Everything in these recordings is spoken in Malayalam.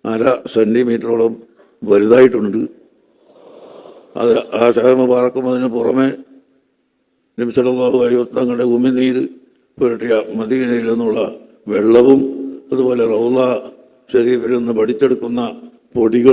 1/2 സെൻറ്റിമീറ്ററോളം വലുതായിട്ടുണ്ട്. അത് ആ ഷഹർ മുബാറക്കുന്നതിന് പുറമെ നബി സല്ലല്ലാഹു അലൈഹി വസല്ലം തങ്ങളുടെ ഉമിനീര് പുരട്ടിയ മദീനയിൽ നിന്നുള്ള വെള്ളവും അതുപോലെ റൗള ഷരീഫിൽ നിന്ന് പഠിച്ചെടുക്കുന്ന പൊടികൾ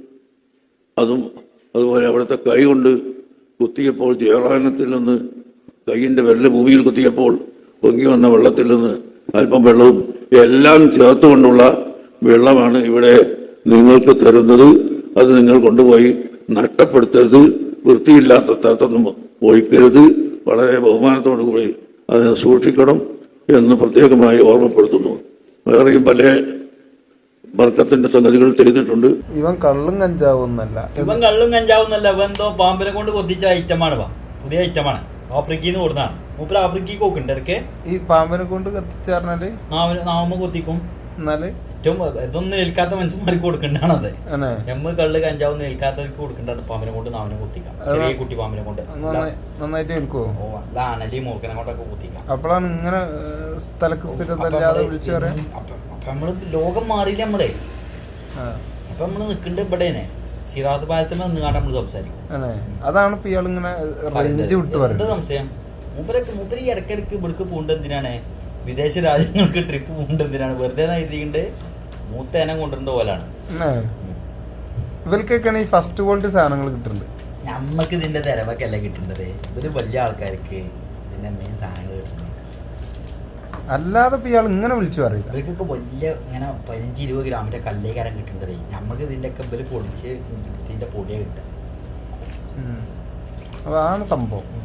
അതുപോലെ അവിടുത്തെ കൈ കൊണ്ട് കുത്തിയപ്പോൾ ജയറാനത്തിൽ നിന്ന് കൈയിൻ്റെ വിരല് ഭൂമിയിൽ കുത്തിയപ്പോൾ പൊങ്ങി വന്ന വെള്ളത്തിൽ നിന്ന് അല്പം വെള്ളവും എല്ലാം ചേർത്തുകൊണ്ടുള്ള വെള്ളമാണ് ഇവിടെ നിങ്ങൾക്ക് തരുന്നത്. അത് നിങ്ങൾ കൊണ്ടുപോയി നഷ്ടപ്പെടുത്തരുത്, വൃത്തിയില്ലാത്ത സ്ഥലത്തൊന്നും ഒഴിക്കരുത്, വളരെ ബഹുമാനത്തോടു കൂടി അതിനെ സൂക്ഷിക്കണം എന്ന് പ്രത്യേകമായി ഓർമ്മപ്പെടുത്തുന്നു. വേറെയും പല ബർക്കത്തിന്റെ സംഗതികൾ ചെയ്തിട്ടുണ്ട്. ഇവൻ കള്ളും കഞ്ചാവുന്നല്ല, ഇവൻ എന്തോ പാമ്പിനെ കൊണ്ട് കൊത്തിച്ച ഐറ്റമാണ്, പുതിയ ഐറ്റമാണ്, ആഫ്രിക്കയിൽ നിന്ന് കൊടുത്താണ്. മൂപ്പര് ആഫ്രിക്കയ്ക്ക് നോക്കുന്നുണ്ട് ഇടയ്ക്ക്. ഈ പാമ്പിനെ കൊണ്ട് കത്തിച്ചാറിനാല് നാവുമ്മ കൊത്തിക്കും. എന്നാല് ഏറ്റവും ഇതൊന്നും ഏൽക്കാത്ത മനുഷ്യന്മാർക്ക് കൊടുക്കേണ്ടതാണത്. കള്ള് കഞ്ചാവൊന്നും ഏൽക്കാത്തവർക്ക് കൊടുക്കേണ്ടതാണ് പാമ്പിനെ കൊണ്ട് നാവിനെ കൊത്തിക്കാം. ചെറിയ കുട്ടി പാമ്പിനെ കൊണ്ട് നന്നായിട്ട് ഏൽക്കുവോ? അല്ല അനലി മൂർക്കനെ കൊണ്ടൊക്കെ കൊത്തിക്കാം. അപ്പോഴാണ് ഇങ്ങനെ സ്ഥലക്ക് സ്ഥിരതല്ലാതെ വിളിച്ചു പറയാം. അപ്പൊ നമ്മള് ലോകം മാറിയില്ല നമ്മളെ. അപ്പൊ നമ്മള് നിക്കണ്ട് ഇവിടെനെ സിറാത്ത് പാലത്തിന് നിന്നാണ്ട് നമ്മള് സംസാരിക്കും. അതാണ് ഇപ്പൊ ഇയാൾ ഇങ്ങനെ റേഞ്ച് വിട്ട് പറയുന്നത്. സംശയം മൂപ്പര് ഈ ഇടയ്ക്കിടയ്ക്ക് ഇവിടേക്ക് പോകേണ്ടത് എന്തിനാണ്? വിദേശ രാജ്യങ്ങൾക്ക് ട്രിപ്പ് പോകേണ്ടത് എന്തിനാണ്? വെറുതെ എഴുതിയിട്ട് മൂത്തേനം കൊണ്ടുവരേണ്ട പോലാണ്. ഇവർക്കൊക്കെയാണ് ഈ ഫസ്റ്റ് ക്വാളിറ്റി സാധനങ്ങൾ കിട്ടുന്നുണ്ട്. നമ്മക്ക് ഇതിന്റെ തിരവൊക്കെയല്ല കിട്ടേണ്ടത്. ഇവര് വലിയ ആൾക്കാർക്ക് ഇതിന്റെ മെയിൻ സാധനങ്ങൾ കിട്ടുന്നത്. അല്ലാതെ ഇപ്പൊ ഇയാൾ ഇങ്ങനെ വിളിച്ചു പറയില്ല. ഇവർക്കൊക്കെ വലിയ ഇങ്ങനെ 15-20 ഗ്രാമിന്റെ കല്ലേക്കാരം കിട്ടേണ്ടത്. നമ്മക്ക് ഇതിന്റെ ഒക്കെ ഇവര് പൊടിച്ച് ഇതിന്റെ പൊടിയാണ് കിട്ടുക. അതാണ് സംഭവം.